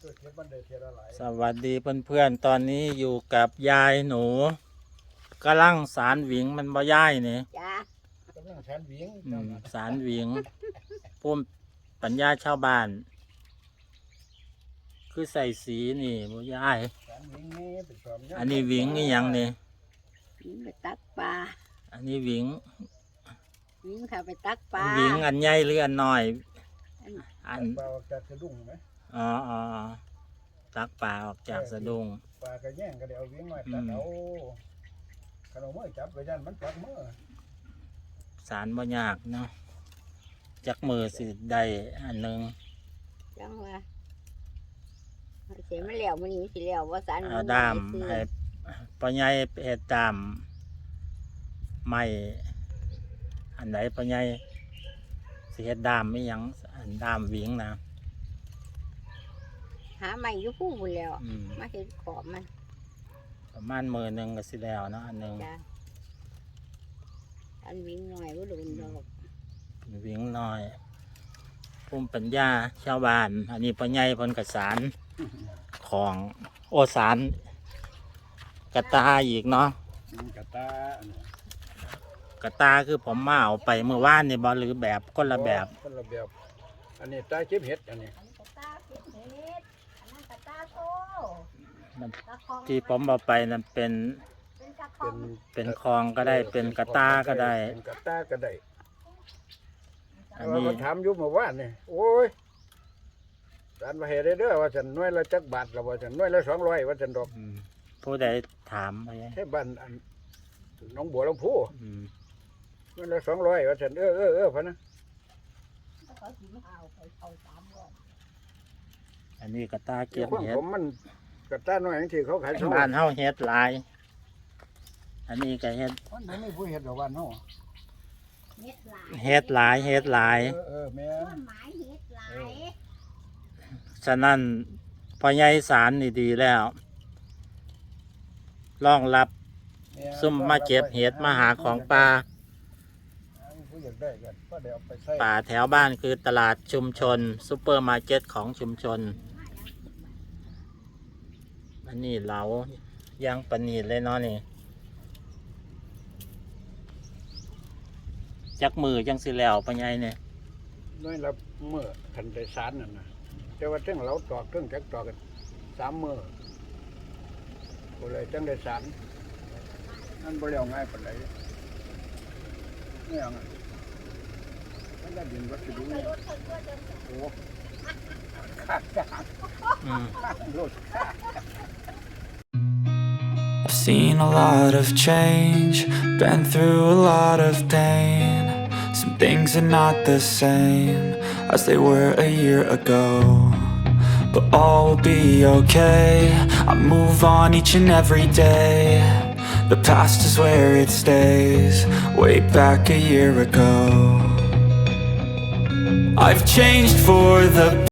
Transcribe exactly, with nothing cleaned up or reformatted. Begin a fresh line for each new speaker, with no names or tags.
สวัสดีเพื่อนๆตอนนี้อยู่กับยายหนูกำลังสารหวิงมันบ่ย่ายนี่
จ้าก
ำลังสารหวิง
อืมสารหวิงภูมิปัญญาชาวบ้าน คือใส่สีนี่บ่ย่าย
สารหวิงนี่เป็นความยาก
อันนี้หวิงนี่ยังนี่
วิ่งไปตักปลา
อันนี้หวิง
วิ่งเข้าไปตักปลา
หวิงอันใหญ่หรืออันน้อย
อัน
อัน
ปลาจะสะดุ้งไหม
อ๋ออ๋ออ๋อตักปลาออกจากสะดุ้ง
ปลากระแย่งก็เดี๋ยวเอาหวิงมาตัดเอาขนมมือจับไปยันมันจับมือ
สารบ่ยากเนาะจักมือสิได้อันหนึง
จังว่าเสียมันแล้วมันนี้สิแล้วว่าสัน
เอาด้ามให้ปัญญาเฮ็ดด้ามไม้อันไหนปัญญาสิเฮ็ดด้ามไม่ยังอันด้ามหวิงนะ
หาใหม่อยู่ผู้บุญแล้ว
อืม
มาเห็นขอบมัน
ประมาณมือหนึ่งก็สิแล้วเนาะอันหนึ่ง
จ้าอันวิ่งหน่อยว่าโดนดอก
หวิงน้อยภูมิปัญญาชาวบ้าน อันนี้ปัญญาเพนกสารของโอสารกระตาอีกเนาะ
กระตาอันนี้
กระตาคือผมมาเอาไปเมื่อวานนี่บอหรือแบบคนละแบบ
คนละแบบอันนี้ตาเก็บเห็ดอันนี้
อันนี้กระตาเก็บเห็ดอันนั้นกระตาโต
มัน
กระคอง
ที่ผมเอาไปนั่นเป็น
เป็นกระคอ
เป็
ง
น
เป็นคลองก็ได้เป็นกระตาก็ได้
เป็นกระตาก็ได้
อัน
เรา
นี้
มาถามอยู่เมื่อวานนี่โอ้ยสารมาเห็ดได้เด้อว่าฉันหน้อยละจักบาทละว่าฉันหน้อยละสองร้อยว่าฉันดอก
อืมผู้ใดถามไป
แค่บ้านอันหน้องบัวลำพู
อืม
หน้อยละสองร้อยว่าฉันเออเออเออพะนะ
เขาสิมาเอาไปเอาสามร้อย
อันนี้กระตาเก็บ
ความ
เห็ด
ผมมันกระตาหน่อยอย่างที่เขาขายสอง
บ้านเฮาเห็ดหลาย อันนี้ก็เห็ด
มันบ่มีผู้เห็ดดอกบ้านเฮา
เห็ดหลาย
เห็ดหลายเห็ดหลาย
เออเออแม่
ต้
น
นไม้เห็ดหลาย
ฉะนั้นพอใหญ่สารนี่ดีแล้วรองรับ
แม่น
ซุ่มมาเก็บเห็ดมาหาของป่า
ผู้อยากได้กันก็เดี๋ยวเอาไปใส่
ป่าแถวบ้านคือตลาดชุมชนซูเปอร์มาร์เก็ตของชุมชน อันนี้เหลาย่างปะนีดเลยเนาะนี่จักมือจังสิแล้วปะไงเนี่ย
น้อยละมื้อคันได้สารนั่นน่ะแต่ว่าเรื่องเราตอกเรื่องจักตอกกันสามมื้อก็เลยจังได้สารนั่นบ่แล้วง่ายปานใดเนี่ยงมันได้ดินวัสดุนี่โอ้ขาดจาง
อืม
รถ
I've seen a lot of change, been through a lot of pain. Some things are not the same as they were a year ago, but all will be okay. I move on each and every day. The past is where it stays, way back a year ago. I've changed for the